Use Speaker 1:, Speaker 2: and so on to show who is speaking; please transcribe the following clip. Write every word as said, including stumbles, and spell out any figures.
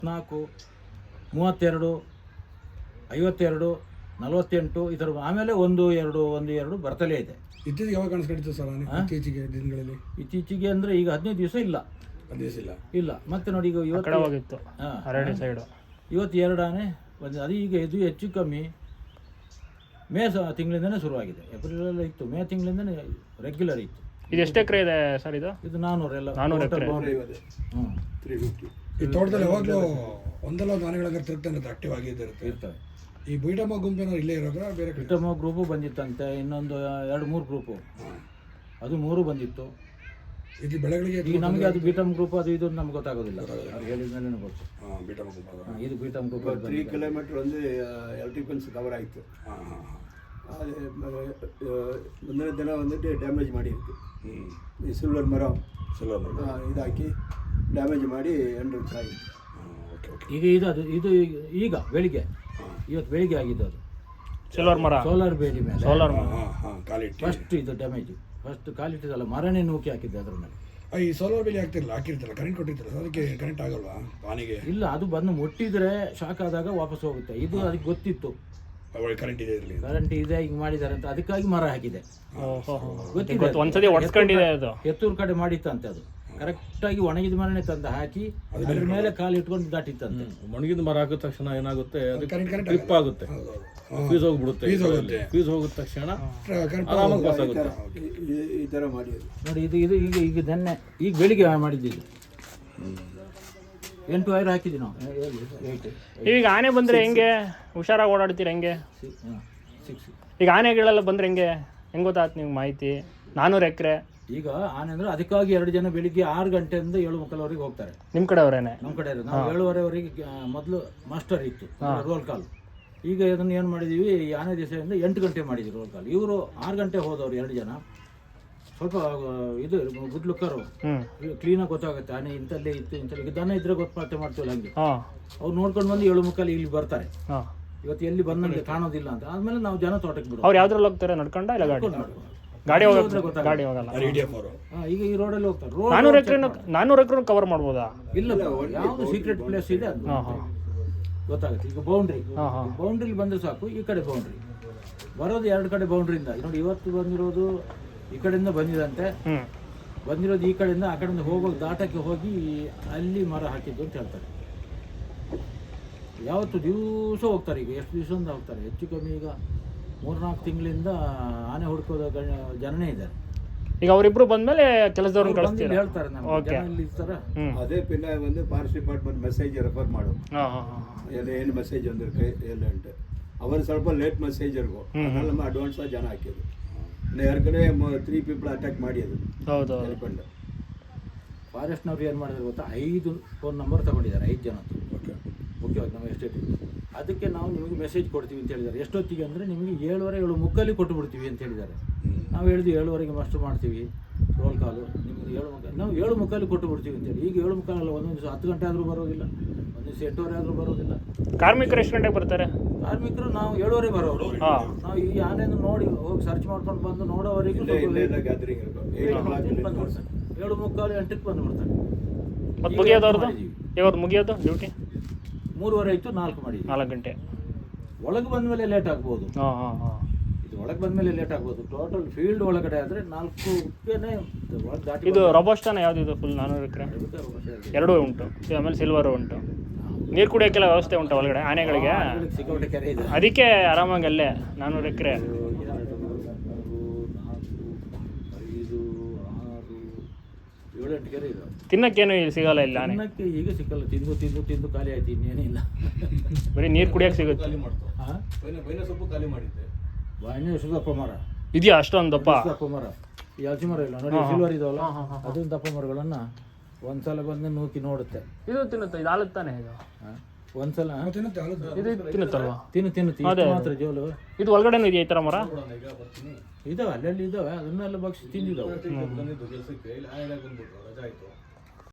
Speaker 1: ನಾಲ್ಕು ಮೂವತ್ತೆರಡು ಐವತ್ತೆರಡು ನಲವತ್ತೆಂಟು ಈ ಥರ ಆಮೇಲೆ ಒಂದು ಎರಡು ಒಂದು ಎರಡು ಬರ್ತಲೇ ಇದೆ.
Speaker 2: ಇತ್ತೀಚೆಗೆ ಯಾವಾಗ ಕಾಣಿಸ್ಕೊಂಡಿತ್ತು ಸರ್ ಇತ್ತೀಚೆಗೆ ದಿನಗಳಲ್ಲಿ?
Speaker 1: ಇತ್ತೀಚೆಗೆ ಅಂದರೆ ಈಗ ಹದಿನೈದು ದಿವಸ ಇಲ್ಲ
Speaker 2: ಹದಿನೈದು ದಿವಸ ಇಲ್ಲ
Speaker 1: ಇಲ್ಲ ಮತ್ತೆ ನೋಡಿ ಈಗ ಇವತ್ತು
Speaker 3: ಹರಡಿ ಸೈಡು
Speaker 1: ಇವತ್ತು ಎರಡು ಆನೆ ಬಂದು ಅದು ಈಗ ಇದು ಹೆಚ್ಚು ಕಮ್ಮಿ ಮೇ ಸ ತಿಂಗಳಿಂದನೇ ಶುರುವಾಗಿದೆ. ಏಪ್ರಿಲಲ್ಲಿ ಇತ್ತು, ಮೇ ತಿಂಗಳಿಂದನೇ ರೆಗ್ಯುಲರ್ ಇತ್ತು.
Speaker 3: ಇದು ಎಷ್ಟು ಎಕರೆ ಇದೆ ಸರ್? ಇದು
Speaker 1: ಇದು ನಾನ್ನೂರೆಲ್ಲ
Speaker 3: ನಾನ್ನೂರು ಎಕರೆ.
Speaker 1: ಹ್ಞೂ
Speaker 2: ತ್ರೀ ಫಿಫ್ಟಿ. ಈ ತೋಟದಲ್ಲಿ ಯಾವಾಗಲೂ ಒಂದಲ್ಲ ಒಂದು ಆನೆಗಳಂಗೆ ತಿರುಗ್ತಾನೆ ಆಕ್ಟಿವ್ ಆಗಿರುತ್ತೆ
Speaker 1: ಇರ್ತವೆ.
Speaker 2: ಈ ಬೀಟಮ್ಮ ಗುಂಪೇನೋ ಇಲ್ಲೇ ಇರೋದ್ರ ಬೇರೆ ಕಡೆ?
Speaker 1: ಬೀಟಮ್ಮ ಗ್ರೂಪು ಬಂದಿತ್ತಂತೆ, ಇನ್ನೊಂದು ಎರಡು ಮೂರು ಗ್ರೂಪು, ಅದು ಮೂರು ಬಂದಿತ್ತು.
Speaker 2: ಇಲ್ಲಿ ಬೆಳೆಗಳಿಗೆ
Speaker 1: ಈಗ ನಮಗೆ ಅದು ಬೀಟಮ್ ಗ್ರೂಪ್ ಅದು ಇದು ನಮ್ಗೆ ಗೊತ್ತಾಗೋದಿಲ್ಲ, ಅವ್ರು ಹೇಳಿದ ಮೇಲೆ ಗೊತ್ತು.
Speaker 2: ಬೀಟಮ್ಮ ಗುಂಪ
Speaker 1: ಇದು ಬೀಟಮ್ ಗ್ರೂಪ್
Speaker 4: ತ್ರೀ ಕಿಲೋಮೀಟರ್ ಒಂದು ಎಲೆಕ್ಟ್ರಿಕಲ್ಸ್ ಕವರ್ ಆಯಿತು. ಅದು ಮುಂದಿನ ದಿನ வந்துட்டு ಡ್ಯಾಮೇಜ್ ಮಾಡಿತ್ತು. ಈ ಸಿಲ್ವರ್ ಮರ
Speaker 2: ಸಿಲ್ವರ್ ಮರ
Speaker 4: ಇದಾಕಿ ಡ್ಯಾಮೇಜ್ ಮಾಡಿ ಎಂಟು ವರ್ಷ ಆಗಿತ್ತು.
Speaker 1: ಈಗ ಇದು ಅದು ಇದು ಈಗ ಬೆಳಿಗ್ಗೆ ಇವತ್ತು ಬೆಳಿಗ್ಗೆ ಆಗಿದ್ದು ಅದು
Speaker 3: ಸಿಲ್ವರ್ ಮರ
Speaker 1: ಸೋಲಾರ್ ಬೇಲಿ ಮೇಲೆ
Speaker 3: ಸೋಲಾರ್ ಮರ
Speaker 1: ಫಸ್ಟ್ ಇದು ಡ್ಯಾಮೇಜ್ ಫಸ್ಟ್ ಕಾಲಿಟ್ಟಿದ್ದಲ್ಲ ಮರನೇ ನೂಕಿ ಹಾಕಿದ್ದೆ ಅದ್ರ ಮೇಲೆ.
Speaker 2: ಈ ಸೋಲಾರ್ ಬೇಲಿ ಹಾಕ್ತಿರಲ್ಲ ಹಾಕಿರ್ತಾರಲ್ಲ ಕರೆಂಟ್ ಕೊಟ್ಟಿರ್ತಾರಲ್ಲ ಅದಕ್ಕೆ ಕರೆಂಟ್ ಆಗಲ್ವಾ ಆನೆಗೆ?
Speaker 1: ಇಲ್ಲ, ಅದು ಬಂದು ಮುಟ್ಟಿದ್ರೆ ಶಾಕ್ ಆದಾಗ ವಾಪಸ್ ಹೋಗುತ್ತೆ. ಇದು ಅದಕ್ಕೆ ಗೊತ್ತಿತ್ತು
Speaker 2: ಕರೆಂಟ್ ಇದೆ ಇರಲಿ,
Speaker 1: ಕರೆಂಟ್ ಇದೆ ಹಿಂಗೆ ಮಾಡಿದ್ದಾರೆ ಅಂತ, ಅದಕ್ಕಾಗಿ ಮರ ಹಾಕಿದೆ.
Speaker 3: ಗೊತ್ತಿದೆ, ಒಂದ್ಸತಿ ಹೊಡ್ಸ್ಕೊಂಡಿದೆ. ಅದು
Speaker 1: ಎತ್ತೂರು ಕಡೆ ಮಾಡಿತ್ತಂತೆ, ಅದು ಕರೆಕ್ಟಾಗಿ ಒಣಗಿದ ಮರನೇ ತಂದು ಹಾಕಿ ಅದ್ರ ಮೇಲೆ ಕಾಲು ಇಟ್ಕೊಂಡು ದಾಟಿತ್ತಂತೆ.
Speaker 5: ಒಣಗಿದ ಮರ ಹಾಕಿದ ತಕ್ಷಣ ಏನಾಗುತ್ತೆ, ಅದು
Speaker 2: ಕರೆಂಟ್
Speaker 5: ಟ್ರಿಪ್ ಆಗುತ್ತೆ, ಫೀಸ್ ಹೋಗ್ಬಿಡುತ್ತೆ. ಫೀಸ್ ಹೋಗಿದ ತಕ್ಷಣ ಆರಾಮಾಗಿ ಪಾಸ್ ಆಗುತ್ತೆ.
Speaker 4: ಈ ಥರ ಮಾಡಿದ್ರು
Speaker 1: ನೋಡಿ. ಇದು ಇದು ಈಗ ಈಗ ನೆನ್ನೆ ಈಗ ಬೆಳಿಗ್ಗೆ ಮಾಡಿದ್ದು. ಎಂಟು ವೈರ್ ಹಾಕಿದ್ವಿ ನಾವು, ಏಯ್ಟ್.
Speaker 3: ಈಗ ಆನೆ ಬಂದರೆ ಹೆಂಗೆ ಹುಷಾರಾಗಿ ಓಡಾಡ್ತೀರ ಹೆಂಗೆ?
Speaker 1: ಸಿಕ್ಸ್.
Speaker 3: ಈಗ ಆನೆಗಳೆಲ್ಲ ಬಂದರೆ ಹೆಂಗೆ ಹೆಂಗೆ ಗೊತ್ತಾಯ್ತು ನಿಮ್ಗೆ ಮಾಹಿತಿ? ನಾನ್ನೂರು ಎಕರೆ
Speaker 1: ಈಗ ಆನೆ ಅಂದರೆ ಅದಕ್ಕಾಗಿ ಎರಡು ಜನ ಬೆಳಿಗ್ಗೆ ಆರು ಗಂಟೆಯಿಂದ ಏಳು ಮುಕ್ಕಾಲವರೆಗೆ ಹೋಗ್ತಾರೆ.
Speaker 3: ನಿಮ್ಮ ಕಡೆ ಅವರೇನೆ?
Speaker 1: ನಮ್ಮ ಕಡೆ ಇರೋದು. ನಾವು ಏಳುವರೆವರೆಗೆ ಮೊದಲು ಮಾಸ್ಟರ್ ಇತ್ತು ರೋಲ್ ಕಾಲ್. ಈಗ ಇದನ್ನು ಏನು ಮಾಡಿದ್ದೀವಿ, ಈ ಆನೆ ದಿವಸದಿಂದ ಎಂಟು ಗಂಟೆ ಮಾಡಿದ್ವಿ ರೋಲ್ ಕಾಲ್. ಇವರು ಆರು ಗಂಟೆ ಹೋದವ್ರು ಎರಡು ಜನ. ಸ್ವಲ್ಪ ಇದು ಗುಡ್ ಲುಕ್ಕರು, ಕ್ಲೀನಾಗಿ ಗೊತ್ತಾಗುತ್ತೆ ಆನೆ ಇಂಥಲ್ಲೇ ಇತ್ತು ಇಂಥಲ್ಲಿ. ಈಗ ದನ ಇದ್ರೆ ಗೊತ್ತಾಗ್ತೇ ಮಾಡ್ತೀವಲ್ಲ ಹಂಗೆ. ಅವ್ರು ನೋಡ್ಕೊಂಡು ಬಂದು ಏಳು ಮುಕ್ಕಾಲು ಇಲ್ಲಿ ಬರ್ತಾರೆ. ಇವತ್ತು ಎಲ್ಲಿ ಬಂದಂಗೆ ಕಾಣೋದಿಲ್ಲ ಅಂತ ಆದ್ಮೇಲೆ ನಾವು ಜನ ತೋಟಕ್ಕೆ ಬಿಡೋದು.
Speaker 3: ಅವ್ರು ಯಾವ್ದ್ರಲ್ಲಿ ಹೋಗ್ತಾರೆ? ನಡ್ಕೊಂಡ ಇಲ್ಲ ಗಾಡಿ? ಗಾಡಿ ಹೋಗುತ್ತೆ, ಗಾಡಿ ಹೋಗಲ್ಲ.
Speaker 1: ಈಗ ಈ ರೋಡಲ್ಲಿ ಹೋಗ್ತಾರೆ.
Speaker 3: ನಾನ್ನೂರು ಎಕರೆ ನಾನ್ನೂರು ಎಕರೆ ಕವರ್ ಮಾಡ್ಬೋದಾ?
Speaker 1: ಇಲ್ಲ, ಯಾವುದು ಸೀಕ್ರೆಟ್ ಪ್ಲೇಸ್ ಇದೆ ಅದು ಗೊತ್ತಾಗುತ್ತೆ. ಈಗ ಬೌಂಡ್ರಿ ಬೌಂಡ್ರಿಲಿ ಬಂದರೆ ಸಾಕು. ಈ ಕಡೆ ಬೌಂಡ್ರಿ ಬರೋದು ಎರಡು ಕಡೆ ಬೌಂಡ್ರಿಯಿಂದ ನೋಡಿ. ಇವತ್ತು ಬಂದಿರೋದು ಈ ಕಡೆಯಿಂದ ಬಂದಿದಂತೆ, ಬಂದಿರೋದು ಈ ಕಡೆಯಿಂದ ಆ ಕಡೆಯಿಂದ ಹೋಗೋದು ದಾಟಕ್ಕೆ ಹೋಗಿ ಅಲ್ಲಿ ಮರ ಹಾಕಿದ್ದು ಅಂತ ಹೇಳ್ತಾರೆ. ಯಾವತ್ತು ದಿವಸ ಹೋಗ್ತಾರೆ. ಈಗ ಎಷ್ಟು ದಿವಸದಿಂದ ಹೋಗ್ತಾರೆ, ಹೆಚ್ಚು ಕಮ್ಮಿ ಈಗ ಮೂರ್ನಾಲ್ಕು ತಿಂಗಳಿಂದ ಆನೆ ಹುಡ್ಕೋದ ಜನನೇ ಇದ್ದಾರೆ.
Speaker 3: ಈಗ ಅವರಿಬ್ರು ಬಂದ್ಮೇಲೆ ಕೆಲಸದವ್ರನ್ನ ಕಳಿಸ್ತೀರಾ?
Speaker 1: ಹೇಳ್ತಾರೆ ನಮ್ಗೆ ಜನ ಇರ್ತಾರೆ.
Speaker 4: ಅದೇ ಪಿನ್ನ வந்து ಫಾರೆಸ್ಟ್ ಡಿಪಾರ್ಟ್ಮೆಂಟ್ ಮೆಸೇಜ್ ರೆಫರ್ ಮಾಡು, ಎಲ್ಲ ಏನು ಮೆಸೇಜ್ ಅಂದಿருக்கு ಎಲ್ಲ ಉಂಟು. ಅವರು ಸ್ವಲ್ಪ ಲೇಟ್ ಮೆಸೇಜ್ ಇರ್ಗೋ, ಅದನ್ನ ನಮ್ಮ ಅಡ್ವಾನ್ಸ್ ಆಗಿ ಜನ ಹಾಕಿದ್ರು. ಯಾರ್ಕಡೆ ತ್ರೀ ಪೀಪಲ್ ಅಟ್ಯಾಕ್ ಮಾಡಿದ್ರು.
Speaker 3: ಹೌದು.
Speaker 4: ಹೇಳ್ಕೊಂಡು
Speaker 1: ಫಾರೆಸ್ಟ್ನವ್ರು ಏನು ಮಾಡಿದ್ರು ಗೊತ್ತಾ, ಐದು ಫೋನ್ ನಂಬರ್ ತಗೊಂಡಿದ್ದಾರೆ, ಐದು ಜನ. ಓಕೆ ಮುಖ್ಯವಾಗಿ ನಮ್ಮ ಎಸ್ಟೇಟ್. ಅದಕ್ಕೆ ನಾವು ನಿಮಗೆ ಮೆಸೇಜ್ ಕೊಡ್ತೀವಿ ಅಂತ ಹೇಳಿದ್ದಾರೆ. ಎಷ್ಟೊತ್ತಿಗೆ ಅಂದರೆ ನಿಮಗೆ ಏಳುವರೆ ಏಳು ಮುಕ್ಕಲ್ಲಿ ಕೊಟ್ಟು ಬಿಡ್ತೀವಿ ಅಂತ ಹೇಳಿದ್ದಾರೆ. ನಾವು ಹೇಳಿದ್ವಿ ಏಳುವರೆಗೆ ಮಾಸ್ಟರ್ ಮಾಡ್ತೀವಿ ರೋಲ್ ಕಾಲು, ನಿಮಗೆ ಏಳು ಮುಕ್ಕಾಲು ನಾವು ಏಳು ಮುಕ್ಕಲ್ಲಿ ಕೊಟ್ಟು ಬಿಡ್ತೀವಿ ಅಂತೇಳಿ. ಈಗ ಏಳು ಮುಕ್ಕಾಲಲ್ಲ, ಒಂದೊಂದು ದಿವಸ ಹತ್ತು ಗಂಟೆ ಆದರೂ ಬರೋದಿಲ್ಲ, ಒಂದು ದಿವಸ ಎಂಟೂವರೆ ಆದರೂ ಬರೋದಿಲ್ಲ.
Speaker 3: ಕಾರ್ಮಿಕರು ಎಷ್ಟು ಗಂಟೆಗೆ ಬರ್ತಾರೆ?
Speaker 1: ಕಾರ್ಮಿಕರು ನಾವು ಏಳುವರೆ ಬರೋರು. ನಾವು ಈ ಆನೆಯನ್ನು ನೋಡಿ ಹೋಗಿ ಸರ್ಚ್ ಮಾಡ್ಕೊಂಡು ಬಂದು ನೋಡೋವರೆಗೂ
Speaker 4: ಗ್ಯಾದರಿಂಗ್
Speaker 1: ಬಂದುಬಿಡ್ತಾರೆ. ಏಳು ಮುಕ್ಕಾಲು ಎಂಟಕ್ಕೆ ಬಂದುಬಿಡ್ತಾರೆ.
Speaker 3: ಮತ್ತು ಮುಗಿಯೋದವ್ರದ್ದು ಇವ್ರದ್ದು ಮುಗಿಯೋದು ಡ್ಯೂಟಿ
Speaker 1: ಮೂರುವರೆ ಆಯಿತು, ನಾಲ್ಕು ಮಾಡಿ
Speaker 3: ನಾಲ್ಕು ಗಂಟೆ
Speaker 1: ಒಳಗೆ ಬಂದ ಮೇಲೆ ಲೇಟ್ ಆಗ್ಬೋದು.
Speaker 3: ಹಾಂ ಹಾಂ ಹಾಂ
Speaker 1: ಇದು ಒಳಗೆ ಬಂದ ಮೇಲೆ ಲೇಟ್ ಆಗ್ಬೋದು. ಟೋಟಲ್ ಫೀಲ್ಡ್ ಒಳಗಡೆ ಆದರೆ ನಾಲ್ಕುನೇ ಒಳಗೆ ದಾಟಿ.
Speaker 3: ಇದು ರೊಬೋಸ್ಟಾನ ಯಾವುದಿದು? ಫುಲ್ ನಾನ್ನೂರು ಎಕರೆ ಎರಡೂ ಉಂಟು, ಆಮೇಲೆ ಸಿಲ್ವರು ಉಂಟು. ನೀರು ಕುಡಿಯೋಕ್ಕೆಲ್ಲ ವ್ಯವಸ್ಥೆ ಉಂಟು ಒಳಗಡೆ ಆನೆಗಳಿಗೆ?
Speaker 1: ಸಿಕ್ಕಾಪಟ್ಟೆ ಕೆರೆ ಇದೆ,
Speaker 3: ಅದಕ್ಕೆ ಆರಾಮಾಗಿ ಅಲ್ಲೇ ನಾನ್ನೂರು ಎಕರೆ.
Speaker 1: ಏಳು ಎಂಟು ಕೆರೆ ಇದೆ.
Speaker 3: ತಿನ್ನಕ್ಕೇನು ಇಲ್ಲಿ ಸಿಗಲ್ಲ ಇಲ್ಲ ಆನೆ?
Speaker 1: ತಿನ್ನಕ್ಕೆ ಈಗ ಸಿಕ್ಕಲ್ಲ, ತಿಂದು ತಿಂದು ತಿಂದು ಖಾಲಿ ಆಯ್ತು, ಇನ್ನೇನಿಲ್ಲ.
Speaker 3: ಬರೀ ನೀರು ಕುಡಿಯೋಕೆ ಸಿಗುತ್ತೆ.
Speaker 1: ಹಾಂ,
Speaker 5: ಬೈನ ಸೊಪ್ಪು ಖಾಲಿ ಮಾಡಿದ್ದೆ.
Speaker 1: ಬಾಯಿನ ಸುದಪ್ಪ ಮರ
Speaker 3: ಇದೆಯಾ ಅಷ್ಟೊಂದು ದಪ್ಪ?
Speaker 1: ದಪ್ಪ ಮರ, ಈ ಹಲಸಿ ಮರ ಇಲ್ಲ ನೋಡಿ, ಸಿಲ್ವರ್ ಇದಾವಲ್ಲ, ಅದೊಂದು ದಪ್ಪ ಮರಗಳನ್ನು ಒಂದ್ಸಲ ಬಂದು ನೂಕಿ ನೋಡುತ್ತೆ.
Speaker 3: ಇದು ತಿನ್ನುತ್ತೆ, ಇದು ಹಾಲುತ್ತಾನೆ ಇದು?
Speaker 1: ಒಂದ್ಸಲ
Speaker 3: ಇದು ತಿನ್ನುತ್ತಲ್ವಾ?
Speaker 1: ತಿನ್ನು ತಿನ್ನುತ್ತೆ ಮಾತ್ರ ಜೋಲು.
Speaker 3: ಇದು ಒಳಗಡೆನೂ ಇದೆಯಾ ಈ ಥರ ಮರ?
Speaker 1: ಇದಾವೆ, ಅಲ್ಲೆಲ್ಲಿ ಇದಾವೆ, ಅದನ್ನೆಲ್ಲ ಬಗ್ಸಿ ತಿಂದಿದ್ದಾವೆ.
Speaker 5: ಬಂದಿದ್ದು ಕೆಲಸಕ್ಕೆ ಇಲ್ಲಿ ಆನೆ ಬಂದ್ಬಿಟ್ರು, ರಜಾ ಆಯಿತು.